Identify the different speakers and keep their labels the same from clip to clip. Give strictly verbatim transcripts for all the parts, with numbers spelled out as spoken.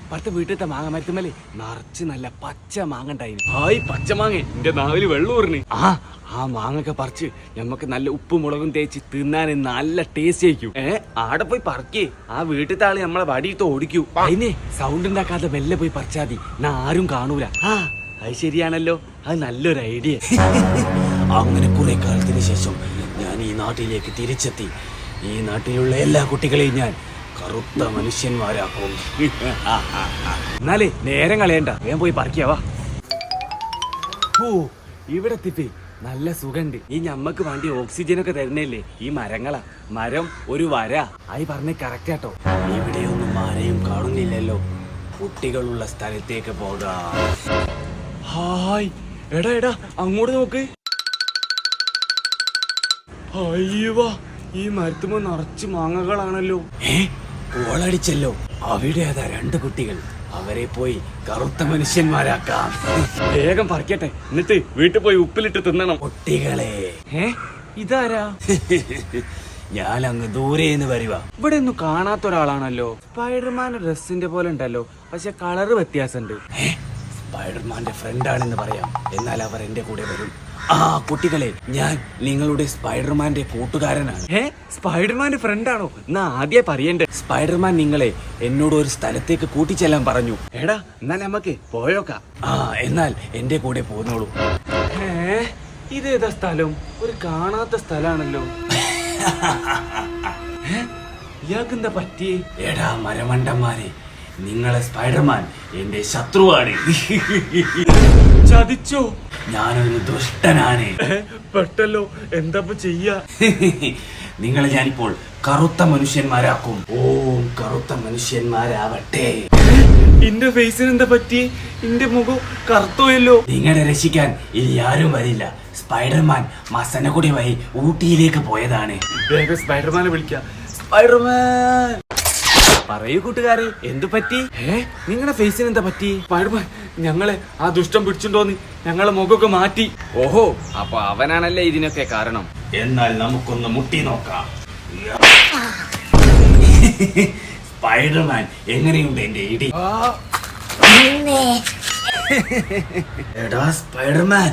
Speaker 1: പത്ത് വീട്ടിലത്തെ മാങ്ങ മരത്തുമല്ലേ നിറച്ച് നല്ല പച്ച മാങ്ങ ഉണ്ടായിരുന്നു. ഹായ് പച്ച മാങ്ങ എന്റെ നാവില് വെള്ളൂറിന്. ആ ആ മാങ്ങൊക്കെ പറിച്ച് ഞമ്മക്ക് നല്ല ഉപ്പും മുളകും തേച്ച് തിന്നാൻ നല്ല ടേസ്റ്റ് ആയിരിക്കും. ഏ ആടെ പോയി പറിക്കേ, ആ വീട്ടിലത്തെ ആള് നമ്മളെ വടിയിട്ട് ഓടിക്കൂ. അതിനെ സൗണ്ട് ഉണ്ടാക്കാതെ മെല്ലെ പോയി പറിച്ചാ മതി, ഞാൻ ആരും കാണൂല. ആ അത് ശരിയാണല്ലോ, അത് നല്ലൊരു ഐഡിയ. അങ്ങനെ കുറെ കാലത്തിന് ശേഷം ഞാൻ ഈ നാട്ടിലേക്ക് തിരിച്ചെത്തി. ഈ നാട്ടിലുള്ള എല്ലാ കുട്ടികളെയും ഞാൻ കറുത്ത മനുഷ്യന്മാരാക്കും. എന്നാലേ നേരം കളയണ്ട, വേഗം പോയി പറിക്കാവാ. ഓ ഇവിടെ എത്തിപ്പേ നല്ല സുഖണ്ട്. ഈ ഞമ്മക്ക് വേണ്ടി ഓക്സിജൻ ഒക്കെ തരുന്നല്ലേ ഈ മരങ്ങളാ. മരം ഒരു വര ആയി പറഞ്ഞ കറക്റ്റ് ആട്ടോ. ഇവിടെയൊന്നും ആരെയും കാണുന്നില്ലല്ലോ, കുട്ടികളുള്ള സ്ഥലത്തേക്ക് പോകാം. ഹായ് എടാ എടാ അങ്ങോട്ട് നോക്ക്. അയ്യവാ ഈ മരത്തുമ്പോ നിറച്ച് മാങ്ങകളാണല്ലോ. ഏ കോളടിച്ചല്ലോ. അവിടെ അതാ രണ്ട് കുട്ടികൾ, അവരെ പോയി കറുത്ത മനുഷ്യന്മാരാക്കാം. വേഗം പറിക്കട്ടെ, എന്നിട്ട് വീട്ടിൽ പോയി ഉപ്പിലിട്ട് തിന്നണം. കുട്ടികളെ ഏ ഇതാരാ? ഞാൻ അങ്ങ് ദൂരേന്ന് വരുവാ. ഇവിടെ ഒന്നും കാണാത്ത ഒരാളാണല്ലോ. സ്പൈഡർമാന്റെ ഡ്രസ്സിന്റെ പോലെ ഉണ്ടല്ലോ, പക്ഷെ കളറ് വ്യത്യാസമുണ്ട്. സ്പൈഡർമാന്റെ ഫ്രണ്ടാണെന്ന് പറയാം, എന്നാൽ അവർ എന്റെ കൂടെ വരും. ആ കുട്ടികളെ, ഞാൻ നിങ്ങളുടെ സ്പൈഡർമാന്റെ കൂട്ടുകാരനാണ്. ഏ സ്പൈഡർമാന്റെ ഫ്രണ്ടാണോ? എന്നാ ആദ്യം പറയണ്ടേ. സ്പൈഡർമാൻ നിങ്ങളെ എന്നോട് ഒരു സ്ഥലത്തേക്ക് കൂട്ടിച്ചെല്ലാൻ പറഞ്ഞു. എടാ എന്നാ നമുക്ക് പോയോക്കാം. ആ എന്നാൽ എന്റെ കൂടെ പോന്നോളൂ. ഏ ഇതേതാ സ്ഥലം? ഒരു കാണാത്ത സ്ഥലാണല്ലോ. ഇയാൾക്കെന്താ പറ്റി? എടാ മരമണ്ടന്മാരെ, നിങ്ങളെ സ്പൈഡർമാൻ എന്റെ ശത്രുവാണ്. ചതിച്ചോ? ഞാനൊരു ദുഷ്ടനാണ്. പെട്ടല്ലോ, എന്താ ചെയ്യാ? നിങ്ങളെ ഞാനിപ്പോൾ കറുത്ത മനുഷ്യന്മാരാക്കും. ഓം കറുത്ത മനുഷ്യന്മാരാവട്ടെ. എന്റെ ഫേസിന് എന്താ പറ്റി? എന്റെ മുഖം കറുത്തോയല്ലോ. നിങ്ങളെ രക്ഷിക്കാൻ ഇനി ആരും വരില്ല. സ്പൈഡർമാൻ മസന കൂടി വഴി ഊട്ടിയിലേക്ക് പോയതാണ്. വേഗം സ്പൈഡർമാനെ വിളിക്കാം. സ്പൈഡർമാൻ പറയൂ കൂട്ടുകാരെ, എന്തു പറ്റി? ഏ നിങ്ങളുടെ ഫേസിന് എന്താ പറ്റി? സ്പൈഡർമാൻ ഞങ്ങളെ ആ ദുഷ്ടം പിടിച്ചിട്ടോന്ന് ഞങ്ങളെ മുഖമൊക്കെ മാറ്റി. ഓഹോ, അപ്പൊ അവനാണല്ലേ ഇതിനൊക്കെ കാരണം. എന്നാൽ നമുക്കൊന്ന് മുട്ടി നോക്കാം. സ്പൈഡർമാൻ എങ്ങനെയുണ്ട് എന്റെ ഇടി? എടാ സ്പൈഡർമാൻ,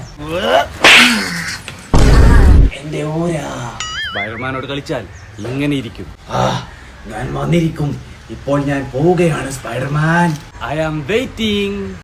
Speaker 1: എന്റെ ഓരാ. സ്പൈഡർമാനോട് കളിച്ചാൽ ഇങ്ങനെ ഇരിക്കും. ആ ഞാൻ വന്നിരിക്കും. ഇപ്പോൾ ഞാൻ പോവുകയാണ് സ്പൈഡർമാൻ. I am waiting.